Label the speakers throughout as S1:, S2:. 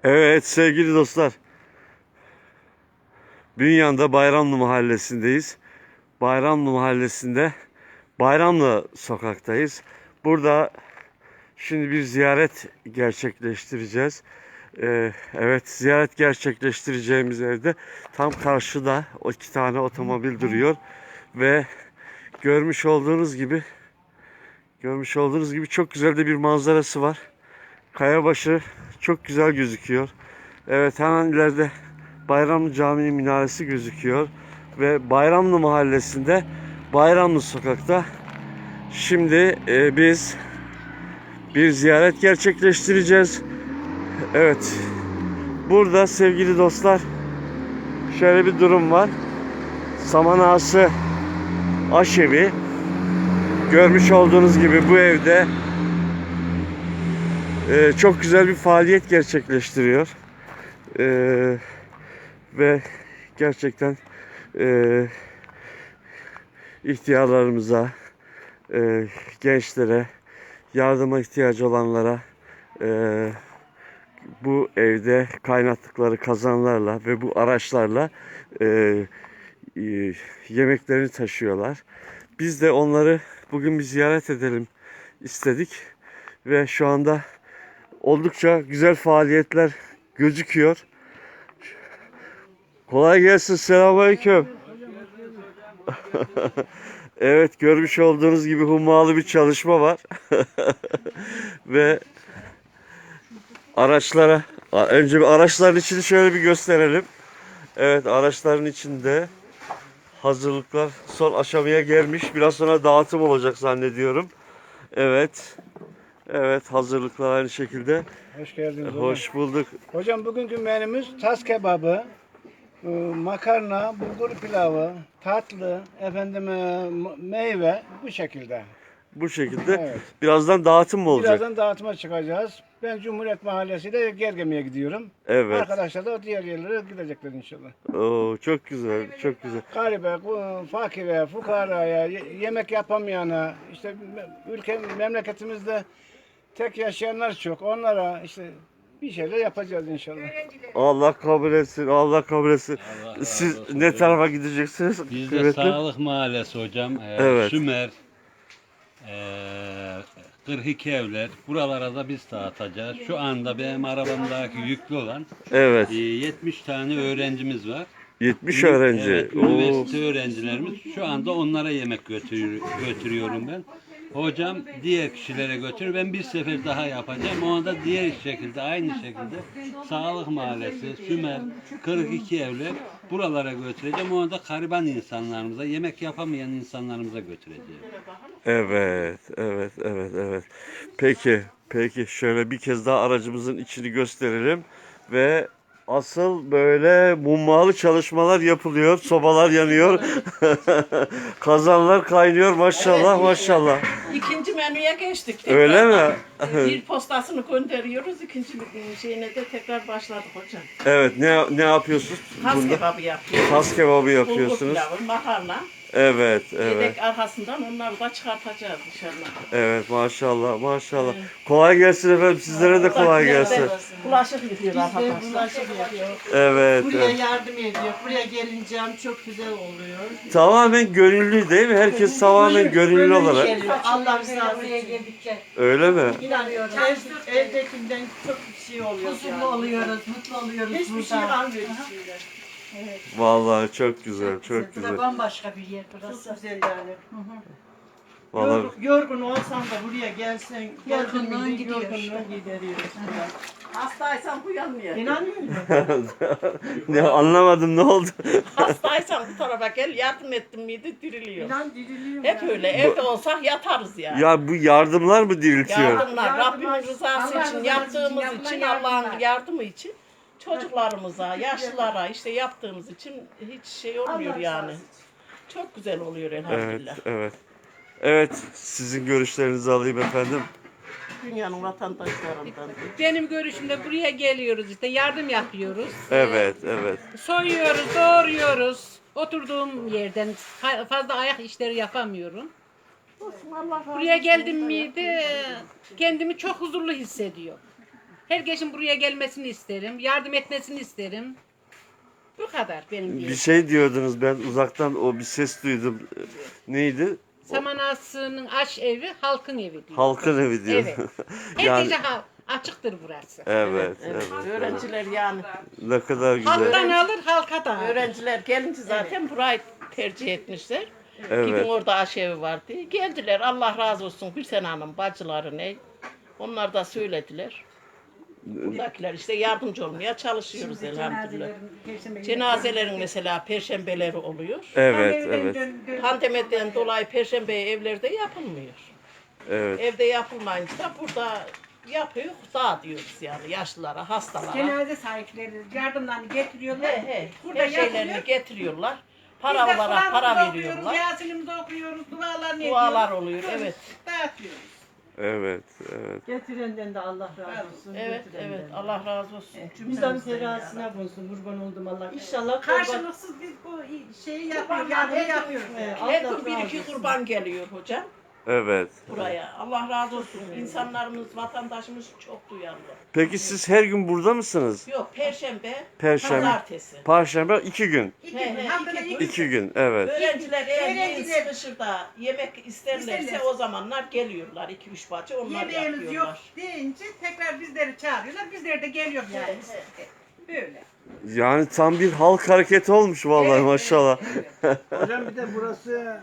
S1: Evet sevgili dostlar, Bünyan'da Bayramlı Mahallesi'ndeyiz. Bayramlı Mahallesi'nde Bayramlı sokaktayız. Burada şimdi bir ziyaret gerçekleştireceğiz. Evet, ziyaret gerçekleştireceğimiz evde tam karşıda o 2 tane otomobil duruyor ve görmüş olduğunuz gibi çok güzel de bir manzarası var. Kayabaşı çok güzel gözüküyor. Evet, hemen ileride Bayramlı Camii minaresi gözüküyor. Ve Bayramlı Mahallesi'nde Bayramlı Sokak'ta şimdi biz bir ziyaret gerçekleştireceğiz. Evet, burada sevgili dostlar şöyle bir durum var. Saman Ağası Aşevi. Görmüş olduğunuz gibi bu evde çok güzel bir faaliyet gerçekleştiriyor. Ve gerçekten ihtiyarlarımıza, gençlere, yardıma ihtiyacı olanlara bu evde kaynattıkları kazanlarla ve bu araçlarla yemeklerini taşıyorlar. Biz de onları bugün bir ziyaret edelim istedik ve şu anda oldukça güzel faaliyetler gözüküyor. Kolay gelsin. Selamünaleyküm. Evet, görmüş olduğunuz gibi hummalı bir çalışma var. Ve önce bir araçların içini şöyle bir gösterelim. Evet, araçların içinde hazırlıklar son aşamaya gelmiş. Biraz sonra dağıtım olacak zannediyorum. Evet. Evet, hazırlıklar aynı şekilde.
S2: Hoş geldiniz hocam.
S1: Hoş bulduk.
S2: Hocam bugünkü menümüz tas kebabı, makarna, bulgur pilavı, tatlı, meyve bu şekilde.
S1: Bu şekilde.
S2: Evet.
S1: Birazdan dağıtım mı olacak?
S2: Birazdan dağıtıma çıkacağız. Ben Cumhuriyet Mahallesi'de Gergemi'ye gidiyorum.
S1: Evet.
S2: Arkadaşlar da diğer yerlere gidecekler inşallah.
S1: Oo, çok güzel, çok güzel.
S2: Garibe, fakire, fukaraya, yemek yapamayana, işte memleketimizde tek yaşayanlar çok. Onlara işte bir şeyler yapacağız inşallah.
S1: Allah kabul etsin, Allah kabul etsin.
S3: Allah razı
S1: Siz
S3: olsun
S1: ne
S3: hocam.
S1: tarafa gideceksiniz?
S3: Biz de
S1: Kıymetli?
S3: Sağlık Mahallesi hocam.
S1: Evet.
S3: Sümer, 42 evler. Buralara da biz dağıtacağız. Şu anda benim arabamdaki yüklü olan
S1: Evet.
S3: 70 tane öğrencimiz var.
S1: 70 öğrenci.
S3: Evet,
S1: Oo.
S3: üniversite öğrencilerimiz. Şu anda onlara yemek götürüyorum ben. Hocam diğer kişilere götürür. Ben bir sefer daha yapacağım. O anda diğer şekilde, aynı şekilde Sağlık Mahallesi, Sümer, 42 evler buralara götüreceğim. O anda gariban insanlarımıza, yemek yapamayan insanlarımıza götüreceğim.
S1: Evet, evet, evet, evet. Peki şöyle bir kez daha aracımızın içini gösterelim ve asıl böyle mummalı çalışmalar yapılıyor, sobalar yanıyor, kazanlar kaynıyor, maşallah maşallah.
S4: İkinci menüye geçtik.
S1: Öyle mi?
S4: Bir postasını gönderiyoruz. İkinci şeyine de tekrar başladık hocam.
S1: Evet, ne yapıyorsunuz?
S4: Tas
S1: Bunda?
S4: kebabı yapıyoruz.
S1: Tas kebabı
S4: Bulgur
S1: yapıyorsunuz.
S4: pilavı, makarna.
S1: Evet, evet.
S4: Yedek arkasından onları da çıkartacağız inşallah.
S1: Evet, maşallah maşallah. Kolay gelsin efendim, sizlere de kolay gelsin.
S4: Bulaşık yıkıyor arkadaşlar.
S5: Bulaşık yapıyor.
S1: Evet,
S5: Buraya
S1: evet.
S5: yardım ediyor. Buraya gelince çok güzel oluyor.
S1: Tamamen gönüllü değil mi? Herkes tamamen gönüllü olarak.
S5: Geliyor. Allah rızası için.
S1: Öyle mi?
S5: İnanıyorum. Evdekinden çok bir şey oluyor. Huzurlu oluyoruz, mutlu oluyoruz. Hiçbir şey kalmıyor içinde.
S1: Vallahi çok güzel, çok güzel.
S5: Bambaşka bir yer burası. Çok güzel yani.
S1: Vallahi
S5: Yorgun olsan da buraya gelsen,
S4: Yorgunluğun gidiyor.
S5: yorgunluğun gideriyoruz.
S4: Hastaysan uyanmıyor.
S5: İnanmıyor musun?
S1: ne anlamadım, ne oldu?
S4: Hastaysan bu tarafa gel, yardım ettin miydi diriliyor.
S5: İnan diriliyor.
S4: Hep öyle. Evde olsak yatarız yani.
S1: Ya bu yardımlar mı diriltiyor?
S4: Yardımlar, Rabbimin rızası
S5: Allah
S4: için,
S5: rızası
S4: yaptığımız
S5: için
S4: için,
S5: yapılan
S4: Allah'ın
S5: yardımlar.
S4: yardımı için, çocuklarımıza, yaşlılara işte yaptığımız için hiç şey olmuyor yani. Çok güzel oluyor
S1: Evet,
S4: elhamdülillah.
S1: evet. Evet, sizin görüşlerinizi alayım efendim.
S4: Dünyanın vatandaşlarından.
S6: Benim görüşümde buraya geliyoruz işte yardım yapıyoruz.
S1: Evet, evet.
S6: Soyuyoruz, doğruyoruz. Oturduğum yerden fazla ayak işleri yapamıyorum. Buraya geldim miydi kendimi çok huzurlu hissediyorum. Herkesin buraya gelmesini isterim. Yardım etmesini isterim. Bu kadar benim
S1: Bir
S6: diyeyim.
S1: şey diyordunuz, ben uzaktan o bir ses duydum. Neydi?
S6: Saman Ağası'nın aş evi halkın evi diyor.
S1: Halkın evi diyor.
S6: Evet. Her
S1: Yani
S6: gece açıktır burası.
S1: evet,
S4: Evet,
S1: evet.
S4: öğrenciler yani.
S1: Ne kadar güzel.
S6: Halktan alır halka da alır.
S4: Öğrenciler gelince zaten burayı tercih etmişler. Gidin
S1: Evet.
S4: orada aşevi var diye. Geldiler, Allah razı olsun Gülsen Hanım, bacıları ne? Onlar da söylediler. Buradakiler işte yardımcı olmaya çalışıyoruz elhamdülillah. Cenazelerin mesela perşembeleri oluyor.
S1: Evet, evet.
S4: Pandemiden dolayı perşembe evlerde yapılmıyor.
S1: Evet.
S4: Evde yapılmayınca da burada yapıyor, dağıtıyoruz yani yaşlılara, hastalara.
S5: Cenaze sahipleri yardımlarını getiriyorlar.
S4: He,
S5: Burada
S4: her şeylerini
S5: yapılıyor.
S4: getiriyorlar.
S5: Biz
S4: Para
S5: de
S4: olarak
S5: Kur'an'ımızı
S4: para
S5: okuyoruz,
S4: veriyorlar.
S5: Yasin'imizi okuyoruz, dualarını
S4: Dualar
S5: ediyoruz.
S4: oluyor, evet.
S5: Dağıtıyoruz.
S1: Evet, evet.
S7: Getirenden de Allah razı olsun.
S4: Evet,
S7: getirenden
S4: evet.
S7: de.
S4: Allah razı olsun.
S7: Bizden terazisine bulsun, kurban oldum Allah. İnşallah kurban.
S5: Karşılıksız biz bu şeyi yapıyoruz,
S4: Kurbanlar
S5: yardımı
S4: her gün,
S5: yapıyoruz.
S4: her
S7: Allah
S4: gün bir
S7: razı
S4: iki
S7: olsun.
S4: kurban geliyor hocam
S1: Evet.
S4: buraya. Allah razı olsun. İnsanlarımız, vatandaşımız çok duyarlı.
S1: Peki siz her gün burada mısınız?
S4: Yok, perşembe,
S1: Perşembe,
S4: pazartesi.
S1: Perşembe 2 gün.
S5: İki
S4: He,
S5: gün,
S4: he,
S5: haftada
S4: iki gün.
S5: iki
S1: 2 gün, evet.
S4: Öğrenciler eğer yiyin
S5: Öğrenciler-
S4: sıkışır da yemek isterlerse
S5: İsterler.
S4: o zamanlar geliyorlar. 2-3 bacı onlar
S5: yemeğimiz yok
S4: yapıyorlar.
S5: deyince tekrar bizleri çağırıyorlar. Bizler de geliyor yani. Böyle.
S1: Yani tam bir halk hareketi olmuş vallahi
S5: Evet,
S1: maşallah.
S2: Hocam bir de burası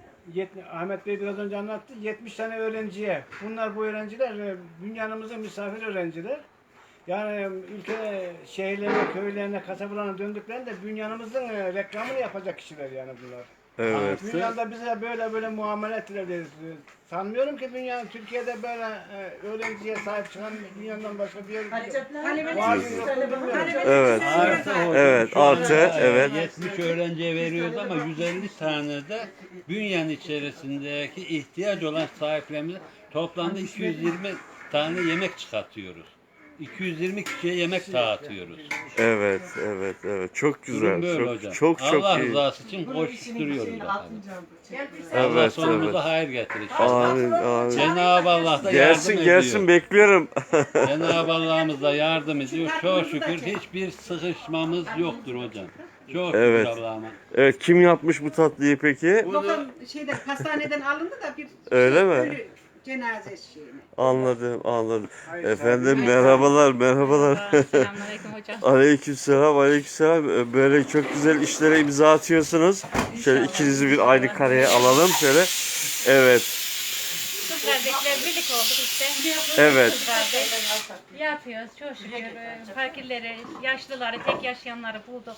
S2: Ahmet Bey biraz önce anlattı. 70 tane öğrenciye. Bunlar bu öğrenciler dünyanımızın misafir öğrenciler. Yani ülke şehirlerine, köylerine, kasabalarına döndüklerinde dünyanımızın reklamını yapacak kişiler yani bunlar.
S1: Evet.
S2: Dünyada bize böyle muamele ettiler diye sanmıyorum ki Türkiye'de böyle öğrenciye sahip çıkan dünyanın başka bir yer yok. Var mı yok mu bilmiyorum.
S1: Evet.
S3: Artı hocam,
S1: Evet,
S3: şu anda,
S1: artı, evet.
S3: 70 öğrenciye veriyoruz ama 150 tane de bünyenin içerisindeki ihtiyaç olan sahiplerimize toplamda 220 tane yemek çıkartıyoruz. 220 kişiye yemek dağıtıyoruz.
S1: Evet, evet, evet. Çok güzel.
S3: Durum böyle
S1: Çok
S3: hocam.
S1: çok çok
S3: Allah
S1: iyi.
S3: rızası için koşturuyoruz bakalım.
S1: Evet,
S3: Allah sonumuza
S1: evet.
S3: hayır getirir.
S1: Amin, amin.
S3: Cenab-ı Allah da yardım
S1: Gelsin,
S3: ediyor.
S1: gelsin bekliyorum.
S3: Cenab-ı Allah'ımız da yardım ediyor. Çok şükür hiçbir sıkışmamız yoktur hocam. Çok
S1: Evet.
S3: şükür Allah'ıma.
S1: Evet, kim yapmış bu tatlıyı peki?
S5: Doktor şeyden hastaneden alındı da bir
S1: Öyle mi?
S5: ölü cenaze şeyini.
S1: Anladım, anladım. Efendim merhabalar, merhabalar.
S6: Selamünaleyküm hocam.
S1: Aleykümselam, aleykümselam. Böyle çok güzel işlere imza atıyorsunuz. Şöyle ikinizi bir aynı kareye alalım şöyle. Evet,
S8: Kız kardeşler birlik olduk işte.
S1: evet.
S8: Kız kardeş yapıyoruz çok şükür. Fakirleri, yaşlıları, tek yaşayanları bulduk.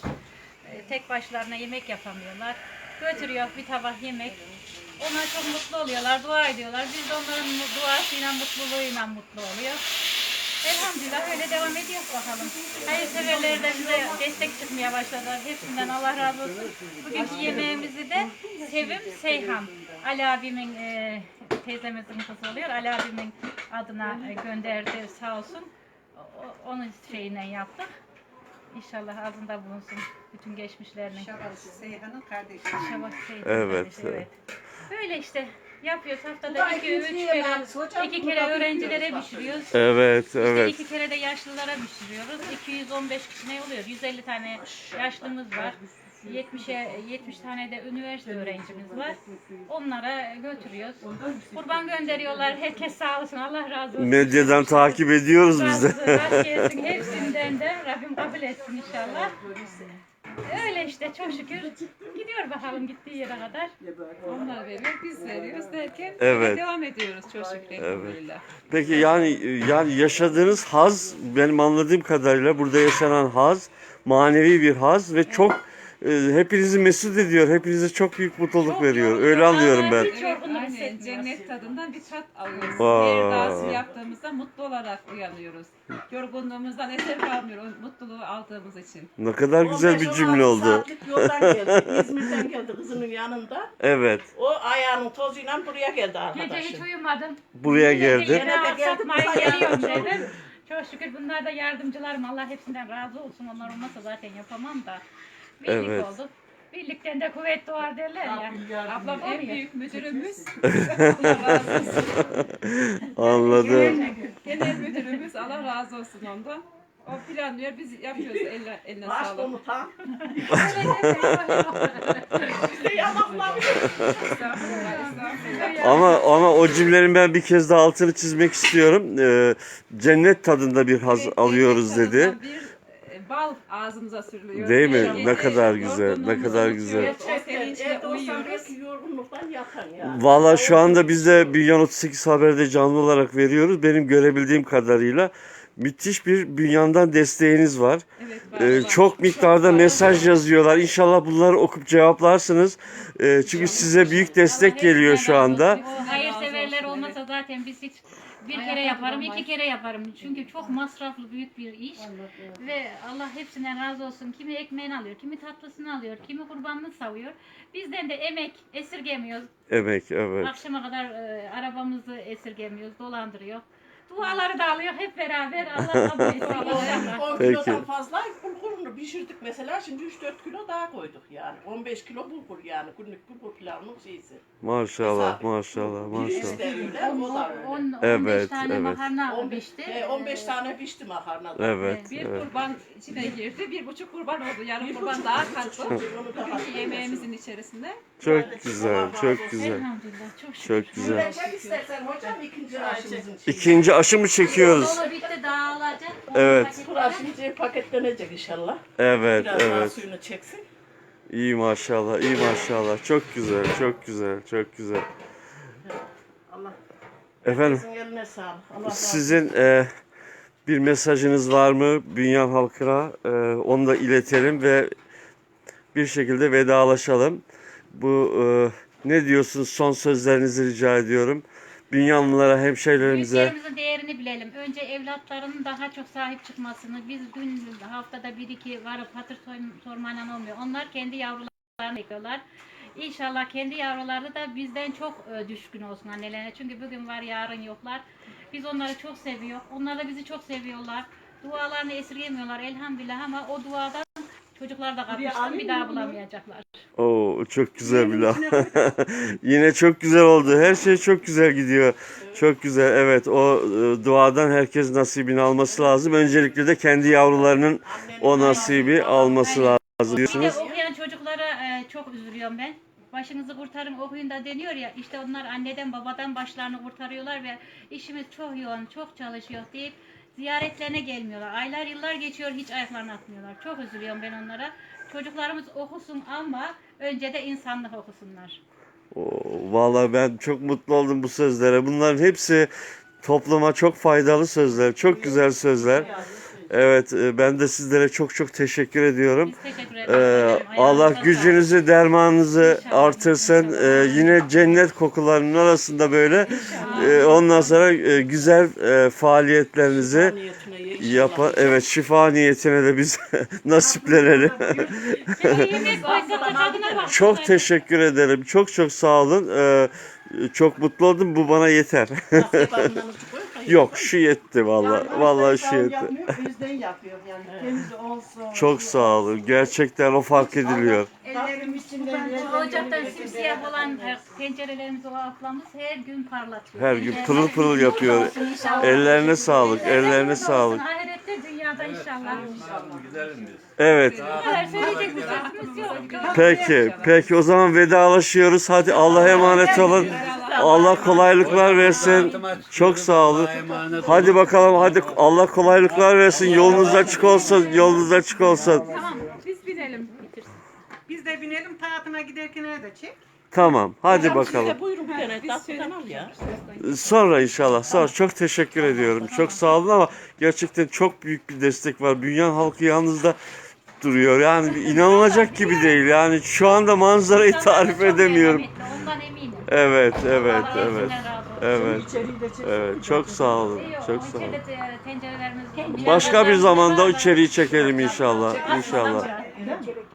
S8: Tek başlarına yemek yapamıyorlar. Götürüyor bir tabak yemek. Onlar çok mutlu oluyorlar, dua ediyorlar. Biz de onların duasıyla, mutluluğuyla mutlu oluyor. Elhamdülillah öyle devam ediyor bakalım. Hayırseverler de bize destek çıkmaya başladılar. Hepsinden Allah razı olsun. Bugünkü yemeğimizi de Sevim Seyhan, Ali abimin teyzemizin kızı oluyor. Ali abimin adına gönderdi sağ olsun. Onun şeyiyle yaptık. İnşallah ağzında bulunsun bütün geçmişlerini.
S5: Şabat Seyhan'ın kardeşi.
S8: Şabat Seyhan
S1: Evet,
S8: kardeşi,
S1: evet.
S8: Böyle işte yapıyoruz haftada 2-3 kere öğrencilere pişiriyoruz.
S1: Evet,
S8: İşte
S1: evet.
S8: 2 kere de yaşlılara pişiriyoruz. 215 kişi ne oluyor? 150 tane yaşlımız var. 70 tane de üniversite öğrencimiz var. Onlara götürüyoruz. Kurban gönderiyorlar. Herkes sağ olsun. Allah razı olsun.
S1: Medyadan takip ediyoruz biz de.
S8: Razı gelsin hepsinden de. Rabbim kabul etsin inşallah. Öyle işte çok şükür. Gidiyor bakalım gittiği yere kadar.
S6: Onlar veriyor, biz veriyoruz derken
S1: Evet.
S6: devam ediyoruz çok şükür. Elhamdülillah.
S1: Peki yani yaşadığınız haz, benim anladığım kadarıyla burada yaşanan haz manevi bir haz ve çok hepinizi mesut ediyor. Hepinize çok büyük mutluluk veriyor. Öyle anlıyorum ben.
S8: Hiç yorgunluk
S6: Aynen,
S8: hissetmiyoruz.
S6: cennet tadından bir tat alıyoruz.
S1: Vay.
S6: Her dağısı yaptığımızda mutlu olarak uyanıyoruz. Yorgunluğumuzdan eser kalmıyor o mutluluğu aldığımız için.
S1: Ne kadar güzel bir
S4: 15-16
S1: cümle oldu.
S4: saatlik yoldan geldi. İzmir'den geldi kızının yanında.
S1: Evet.
S4: O ayağının tozuyla buraya geldi
S8: Gece
S4: arkadaşım.
S8: hiç uyumadım.
S1: Buraya geldi.
S8: Yine aksatmayın geliyorum dedim. Çok şükür bunlar da yardımcılarım. Allah hepsinden razı olsun. Onlar olmasa zaten yapamam da. Birlik
S1: Evet.
S8: olduk. Birlikten de kuvvet doğar derler ya.
S6: Ablam en
S8: Oraya.
S6: büyük müdürümüz. Allah razı olsun.
S1: Anladım.
S6: Genel müdürümüz Allah razı olsun ondan. O planlıyor, biz yapıyoruz eline
S4: Baş
S6: sağlık.
S4: komutan.
S1: Ama o cümlenin ben bir kez daha altını çizmek istiyorum. Cennet tadında bir haz alıyoruz dedi.
S6: Bir bal ağzımıza sürülüyor.
S1: Değil mi?
S6: Evet,
S1: Ne kadar
S6: evet.
S1: güzel, ne
S6: Yorgunluğumuzu
S1: kadar
S6: unutuyoruz,
S1: güzel.
S6: O sevinçle
S4: Evde olsam
S6: uyuyoruz.
S4: belki yorgunluktan yatan ya.
S1: Valla şu anda biz de Bünyan 38 Haber'de canlı olarak veriyoruz. Benim görebildiğim kadarıyla müthiş bir Bünyan'dan desteğiniz var.
S6: Evet, var.
S1: Çok miktarda mesaj yazıyorlar. İnşallah bunları okup cevaplarsınız. Çünkü size büyük destek geliyor şu anda.
S8: O hayırseverler olmasa zaten biz hiç bir kere yaparım, iki kere yaparım. Çünkü çok masraflı büyük bir iş. Ve Allah hepsinden razı olsun. Kimi ekmeğini alıyor, kimi tatlısını alıyor, kimi kurbanını savuyor. Bizden de emek esirgemiyoruz.
S1: Emek, evet.
S8: Akşama kadar arabamızı esirgemiyoruz, dolandırıyor. Duaları da alıyor hep beraber. Allah kabul etsin inşallah.
S4: 10
S1: Peki.
S4: kilodan fazla bulgurunu pişirdik mesela. Şimdi 3-4 kilo daha koyduk yani. 15 kilo bulgur yani. Günlük bulgur pilavının şeysi.
S1: Maşallah,
S4: Hesap.
S1: maşallah,
S4: Birisi
S1: maşallah.
S4: de öyle, o da öyle.
S8: 15
S1: Evet,
S8: tane
S1: evet.
S8: makarna
S4: 15,
S8: pişti.
S4: 15 tane pişti makarnadan.
S1: Evet,
S6: Bir
S1: evet.
S6: kurban içine girdi, 1,5 kurban oldu. Yarım kurban daha kalktı.
S4: Onu daha
S6: Bugünkü yemeğimizin içerisinde.
S1: Çok güzel, çok güzel.
S8: Elhamdülillah çok şükür.
S1: Çok güzel.
S4: Verecek istersen hocam ikinci aşımızın şeyi.
S1: İkinci aşı mı çekiyoruz?
S8: Dolu bitti dağılacak.
S1: Evet.
S4: Kuraşımız paketlenecek inşallah.
S1: Evet,
S4: Biraz daha
S1: evet.
S4: suyunu çeksin.
S1: İyi maşallah, iyi maşallah. Çok güzel, çok güzel, çok güzel.
S4: Allah
S1: Efendim,
S4: sizin eline sağlık. Allah razı olsun.
S1: sizin bir mesajınız var mı Bünyan halkına? Onu da iletelim ve bir şekilde vedalaşalım. Bu ne diyorsunuz? Son sözlerinizi rica ediyorum. Bünyanlılara, hemşehrilerimize.
S8: Büyüklerimizin değerini bilelim. Önce evlatlarının daha çok sahip çıkmasını, biz gün haftada 1-2 varıp hatır sormayla olmuyor. Onlar kendi yavrularını bekliyorlar. İnşallah kendi yavruları da bizden çok düşkün olsun annelerine. Çünkü bugün var yarın yoklar. Biz onları çok seviyoruz. Onlar da bizi çok seviyorlar. Dualarını esirgemiyorlar elhamdülillah ama o duadan çocuklar da kapmıştım bir daha bulamayacaklar.
S1: Oo, çok güzel bir laf. Yine çok güzel oldu. Her şey çok güzel gidiyor. Çok güzel. Evet, o duadan herkes nasibini alması lazım. Öncelikle de kendi yavrularının o nasibi alması lazım
S8: Bir de
S1: diyorsunuz.
S8: okuyan çocuklara çok üzülüyorum ben. Başınızı kurtarın okuyun da deniyor ya, işte onlar anneden babadan başlarını kurtarıyorlar ve işimiz çok yoğun, çok çalışıyor deyip ziyaretlerine gelmiyorlar. Aylar yıllar geçiyor, hiç ayaklarını atmıyorlar. Çok üzülüyorum ben onlara. Çocuklarımız okusun ama önce de insanlık okusunlar.
S1: Vallahi ben çok mutlu oldum bu sözlere. Bunların hepsi topluma çok faydalı sözler, çok güzel sözler. Evet, ben de sizlere çok çok teşekkür ediyorum.
S8: Biz teşekkür ederiz.
S1: Allah
S8: Ayağınıza
S1: gücünüzü, dermanınızı
S8: İnşallah,
S1: artırsın.
S8: inşallah.
S1: Yine cennet kokularının arasında böyle ondan sonra güzel faaliyetlerinizi yapan, evet, şifa niyetine de biz nasiplenelim.
S8: sağlık. Yemek koysa tadına bak.
S1: Çok teşekkür ederim. Çok çok sağ olun. Çok mutlu oldum. Bu bana yeter. Yok, şu yetti vallahi. Vallahi şu yetti.
S5: Bizden yapıyor yani. Temiz olsun.
S1: Çok sağ olun. Gerçekten o fark ediliyor.
S5: Ellerim içinden
S8: Ocaktan simsiyah olan tencerelerimizi o ablamız her gün parlatıyor.
S1: Her gün pırıl pırıl yapıyor. Ellerine sağlık. Ellerine sağlık.
S8: Ahirette dünyada inşallah.
S1: Evet.
S8: Bu kadar söyleyecek bir sözümüz yok.
S1: Peki o zaman vedalaşıyoruz. Hadi Allah'a emanet olun. Allah kolaylıklar versin. Çok sağ olun. Hadi bakalım, hadi Allah kolaylıklar versin. Yolunuz açık olsun. Yolunuz açık olsun.
S6: Tamam, biz binelim.
S5: Biz de binelim taatına giderken de çek.
S1: Tamam. Hadi bakalım.
S4: Buyurun bir tane tatlıdan al ya.
S1: Sonra inşallah. Sonra çok teşekkür ediyorum. Çok sağ olun ama gerçekten çok büyük bir destek var. Bünyan halkı yalnız da duruyor. Yani inanılacak gibi değil. Yani şu anda manzarayı tarif edemiyorum.
S8: Ondan eminim.
S1: Evet, evet,
S8: Allah
S1: evet.
S8: hepsinden razı olsun.
S1: Evet. Evet, çok sağ olun. Çok sağ olun.
S8: İçeride tencerelerimiz
S1: Başka bir zamanda içeriği çekelim inşallah. İnşallah.